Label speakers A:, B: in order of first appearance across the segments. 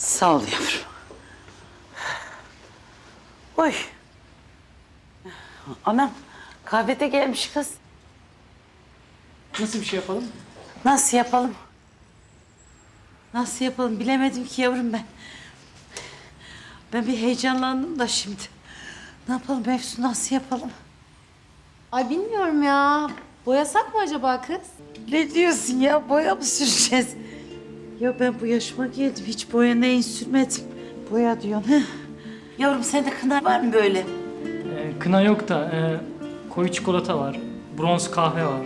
A: Sağ ol yavrum. Oy. Anam kahvede gelmiş kız.
B: Nasıl bir şey yapalım?
A: Nasıl yapalım? Nasıl yapalım bilemedim ki yavrum ben. Ben bir heyecanlandım da şimdi. Ne yapalım Efsun, nasıl yapalım?
C: Ay bilmiyorum ya. Boyasak mı acaba kız?
A: Ne diyorsun ya, boya mı süreceğiz? Ya ben bu yaşıma geldim, hiç boya neyin sürmedim. Boya diyorsun. Heh. Yavrum sende kına var mı böyle?
B: Kına yok da koyu çikolata var. Bronz kahve var.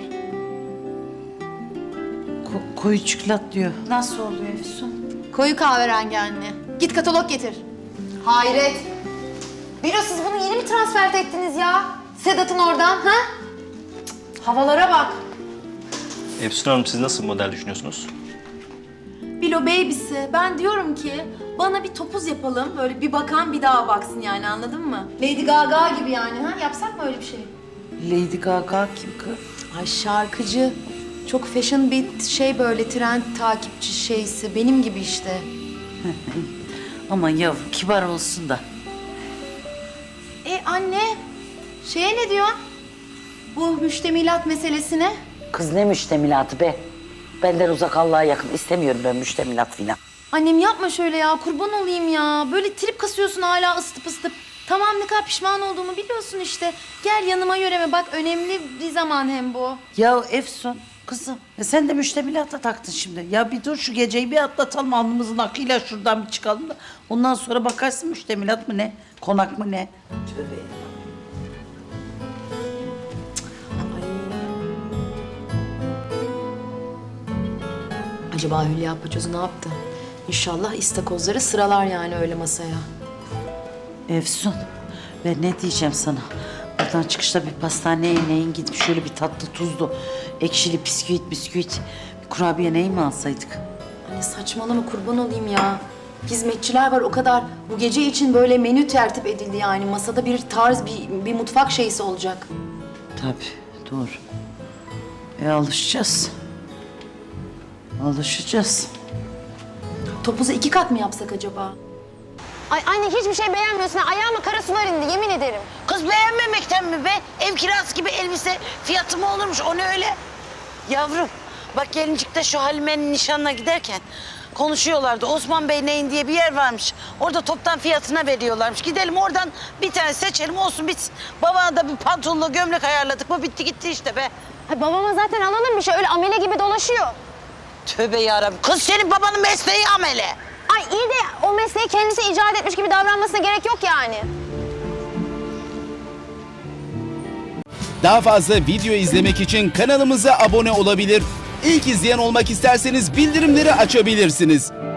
A: Koyu çikolat diyor. Nasıl oluyor Efsun?
C: Koyu kahverengi anne. Git katalog getir. Hayret. Bilo siz bunu yeni mi transfer ettiniz ya? Sedat'ın oradan ha? Cık, havalara bak.
D: Efsun Hanım, siz nasıl bir model düşünüyorsunuz?
C: Bilo baby'si. Ben diyorum ki bana bir topuz yapalım. Böyle bir bakan bir daha baksın yani, anladın mı? Lady Gaga gibi yani ha? Yapsak mı öyle bir şey?
A: Lady Gaga kim kız?
C: Ay şarkıcı. Çok fashion bir şey, böyle trend takipçi şeysi. Benim gibi işte.
A: Aman yavrum kibar olsun da.
C: Anne, şeye ne diyorsun? Bu müştemilat meselesine.
A: Kız ne müştemilatı be? Benden uzak, Allah'a yakın. İstemiyorum ben müştemilat filan.
C: Annem yapma şöyle ya, kurban olayım ya. Böyle trip kasıyorsun hala ısıtıp ısıtıp. Tamam, ne kadar pişman olduğumu biliyorsun işte. Gel yanıma yöreme bak, önemli bir zaman hem bu.
A: Ya Efsun kızım, sen de müştemilata taktın şimdi. Ya bir dur, şu geceyi bir atlatalım, alnımızın akıyla şuradan bir çıkalım da ondan sonra bakarsın müştemilat mı ne, konak mı ne? Tövbe.
C: Acaba Hülya Paçozu ne yaptı? İnşallah istakozları sıralar yani öyle masaya.
A: Efsun, ben ne diyeceğim sana? Buradan çıkışta bir pastaneye neyin gidip şöyle bir tatlı tuzlu, ekşili bisküvit, bir kurabiye neyi mi alsaydık?
C: Anne saçmalama, kurban olayım ya. Hizmetçiler var o kadar. Bu gece için böyle menü tertip edildi yani. Masada bir tarz, bir mutfak şeysi olacak.
A: Tabii, doğru. Alışacağız. Alışacağız.
C: Topuzu 2 kat mı yapsak acaba?
E: Ay anne hiçbir şey beğenmiyorsun. Ayağıma kara sular indi, yemin ederim.
A: Kız beğenmemekten mi be? Ev kirası gibi elbise fiyatı mı olurmuş? O ne öyle? Yavrum, bak gelincikte şu Halime'nin nişanına giderken konuşuyorlardı. Osman Bey neyin diye bir yer varmış. Orada toptan fiyatına veriyorlarmış. Gidelim oradan bir tane seçelim, olsun bitsin. Babana da bir pantolonla gömlek ayarladık mı bitti gitti işte be.
E: Ay babama zaten alalım bir şey. Öyle amele gibi dolaşıyor.
A: Tövbe yarabbim. Kız senin babanın mesleği amele.
E: Ay iyi de o mesleği kendisi icat etmiş gibi davranmasına gerek yok yani.
F: Daha fazla video izlemek için kanalımıza abone olabilir. İlk izleyen olmak isterseniz bildirimleri açabilirsiniz.